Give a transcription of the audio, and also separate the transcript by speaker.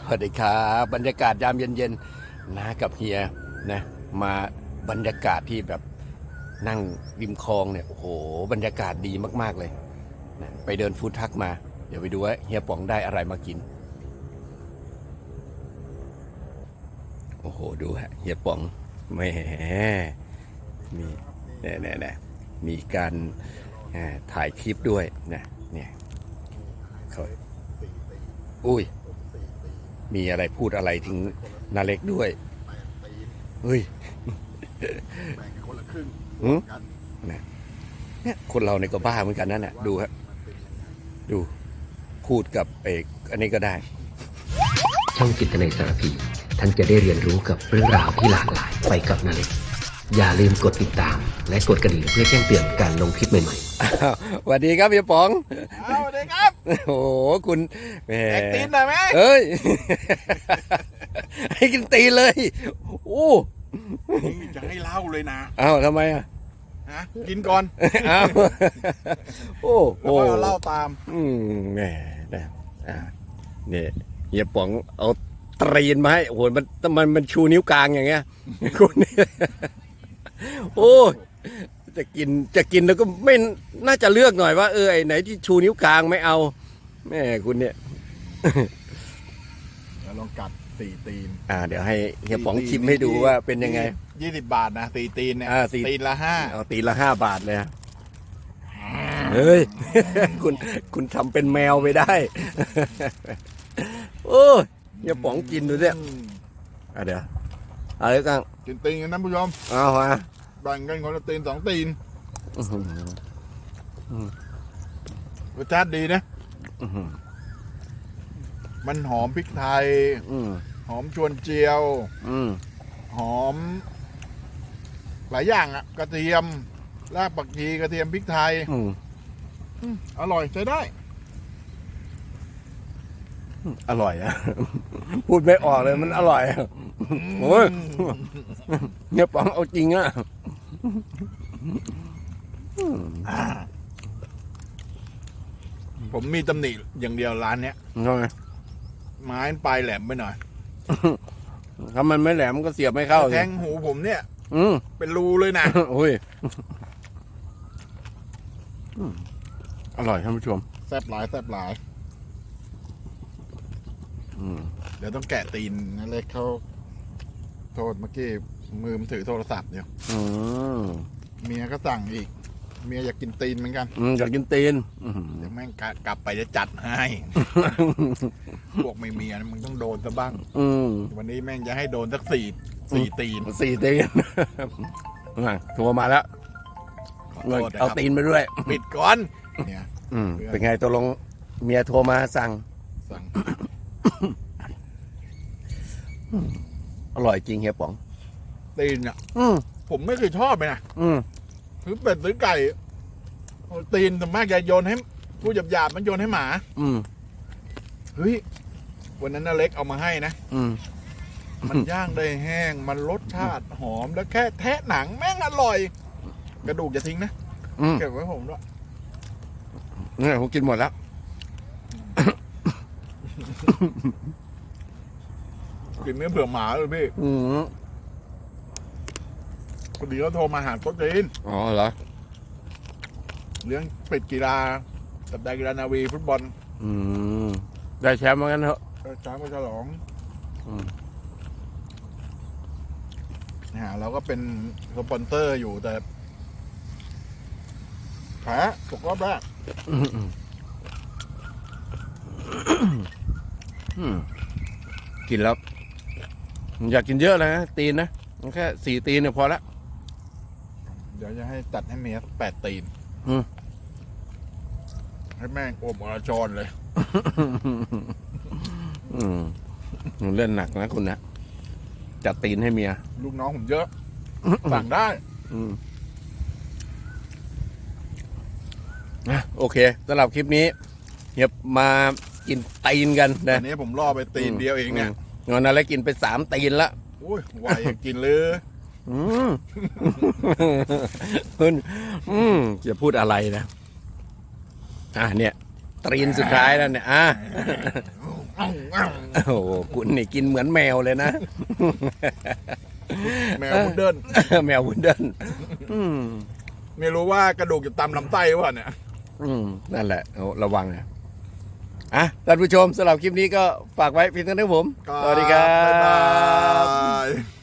Speaker 1: วัสดีครับบรรยากาศยามเย็นๆนะกับเฮียนะมาบรรยากาศที่แบบนั่งริมคลองเนี่ยโอ้โหบรรยากาศดีมากๆเลยนะไปเดินฟู้ดทรัคมาเดี๋ยวไปดูว่าเฮียป๋องได้อะไรมากินโอ้โหดูฮะเฮียป๋องแหมมีเนี่ยมีการถ่ายคลิปด้วยนะเนี่ยเขาอุ้ยมีอะไรพูดอะไรถึงนาเล็กด้วยเฮ้ย
Speaker 2: แบ่งกันคนละครึ่งกัน
Speaker 1: เนี่ยคนเราเนี่ยก็บ้าเหมือนกันนั่นแหละดูฮะดูพูดกับเอกอันนี้ก็ได้
Speaker 3: ช่องจิตนาสารพีท่านจะได้เรียนรู้กับเรื่องราวที่หลากหลายไปกับนาเล็กอย่าลืมกดติดตามและกดกระดิ่งเพื่อแจ้งเตือนการลงคลิปใหม่
Speaker 1: ๆสวัสดีครับพี่ป๋อง
Speaker 2: สวัสดีครับ
Speaker 1: โอ้โหคุณแหม
Speaker 2: ตีนหน่อยไหม
Speaker 1: เอ้ยให้กินตีนเลยโอ้
Speaker 2: จะให้เล่าเลยนะ
Speaker 1: อ้าวทำไมอ่ะ
Speaker 2: กินก่อน
Speaker 1: อ้าวโอ้
Speaker 2: แล้วก็เล่าตาม
Speaker 1: แหมเนี่ยเฮียป๋องเอาตีนมาให้โอ้โหมันชูนิ้วกลางอย่างเงี้ยคุณโอ้จะกินแล้วก็ไม่น่าจะเลือกหน่อยว่าไอ้ไหนที่ชูนิ้วกลางไม่เอาแม่คุณเนี่ย
Speaker 2: แล้วลองกัด4 ตีน
Speaker 1: เดี๋ยวให้เฮียป๋องชิมให้ดูว่าเป็นยังไง
Speaker 2: 20 บาทนะ4 ตีนเนี่ยตีนละ5
Speaker 1: เอาตีนละ5 บาทเลยเฮ้ยคุณทำเป็นแมวไปได้โอ้เฮียป๋องกินดูเนี่ยเดี๋ยวอะไรกัน
Speaker 2: กินตีนกันนะผู้ชม
Speaker 1: เอามา
Speaker 2: แบ่งกันคนละตีน2 ตีนรสชาติดีนะมันหอมพริกไทยหอมชวนเจียวหอมหลายอย่างอ่ะกระเทียมรากผักชีกระเทียมพริกไทยอร่อยใช้ได้
Speaker 1: อร่อยอะพูดไม่ออกเลยมันอร่อยโอ้ยเนี่ยป๋องเอาจริงอะ
Speaker 2: ผมมีตำหนิอย่างเดียวร้านเนี้ยไม้ปลายแหลมไปหน่อย
Speaker 1: ถ้ามันไม่แหลมก็เสียบไม่เข้า
Speaker 2: แทงหูผมเนี่ยเป็นรูเลยนะ
Speaker 1: โอ้ยอร่อยท่านผู้ชม
Speaker 2: แซ่บหลายเดี๋ยวต้องแกะตีนนั่นเลยเขาโทษเมื่อกี้มือมันถือโทรศัพท์อยู่เมียก็สั่งอีกเมียอยากกินตีนเหมือนกัน
Speaker 1: อยากกินตีน
Speaker 2: เดี๋ยวแม่งกลับไปจะจัดให้พวกไม่เมียมึงต้องโดนซะบ้างวันนี้แม่งจะให้โดนสัก4 ตีน
Speaker 1: โทรมาแล้วเอาตีนไปด้วย
Speaker 2: ปิดก่อนเนี่ย
Speaker 1: เป็นไงตัวลงเมียโทรมาสั่งอร่อยจริงเฮียป๋อง
Speaker 2: ตีนอ่ะผมไม่เคยชอบเลยนะซื้อเป็ดซื้อไก่ตีนแต่มากจะโยนให้ผู้หยาบมันโยนให้หมาเฮ้ยวันนั้นน่าเล็กเอามาให้นะมันย่างได้แห้งมันรสชาติหอมแล้วแค่แทะหนังแม่งอร่อยกระดูกจะทิ้งนะเก็บไว้ผมด้วย
Speaker 1: เนี่ยผมกินหมดแล้ว
Speaker 2: กินเนื้อเผื่อหมาเลยพี่พอดีเขาโทรมาหาโต๊ะจีน
Speaker 1: อ๋อเหรอ
Speaker 2: เลี้ยงเป็ดกีฬาสัปดาห์กีฬานาวีฟุตบอล
Speaker 1: ได้แชมป์เหมือนกันเถอะ
Speaker 2: ได้แชมป์ก็ฉลองเราก็เป็นสปอนเซอร์อยู่แต่แพ้ตกรอบแรก
Speaker 1: กินแล้วอยากกินเยอะเลยนะตีนนะแค่4 ตีนเนี่ยพอละ
Speaker 2: เดี๋ยวจะให้ตัดให้เมีย8 ตีนให้แม่งโอบอรชรเลย
Speaker 1: เล่นหนักนะคุณนะจัดตีนให้เมีย
Speaker 2: ลูกน้องผมเยอะสั่งได้
Speaker 1: โอเคสำหรับคลิปนี้เฮียมากินตีนกันนะ
Speaker 2: อันนี้ผมล่อไปตีนเดียวเองเนี่ย
Speaker 1: งอนอะไรกินไป3 ตีนละ
Speaker 2: โอ้ยไหวกินเลย
Speaker 1: คุณจะพูดอะไรนะเนี่ยตีนสุดท้ายแล้วเนี่ยโอ้โหคุณนี่กินเหมือนแมวเลยนะ
Speaker 2: แมวพุดเดิ้ล
Speaker 1: แมววุนเดิลอืม
Speaker 2: ไม่รู้ว่ากระดูกจะตำลำไส้หรือเปล่าเนี่ย
Speaker 1: นั่นแหละโอ้ระวังนะอ่ะท่านผู้ชมสำหรับคลิปนี้ก็ฝากไว้เพียงเท่านี้ครับผม สวัสดีครั
Speaker 2: บ๊าย
Speaker 1: บ
Speaker 2: บาย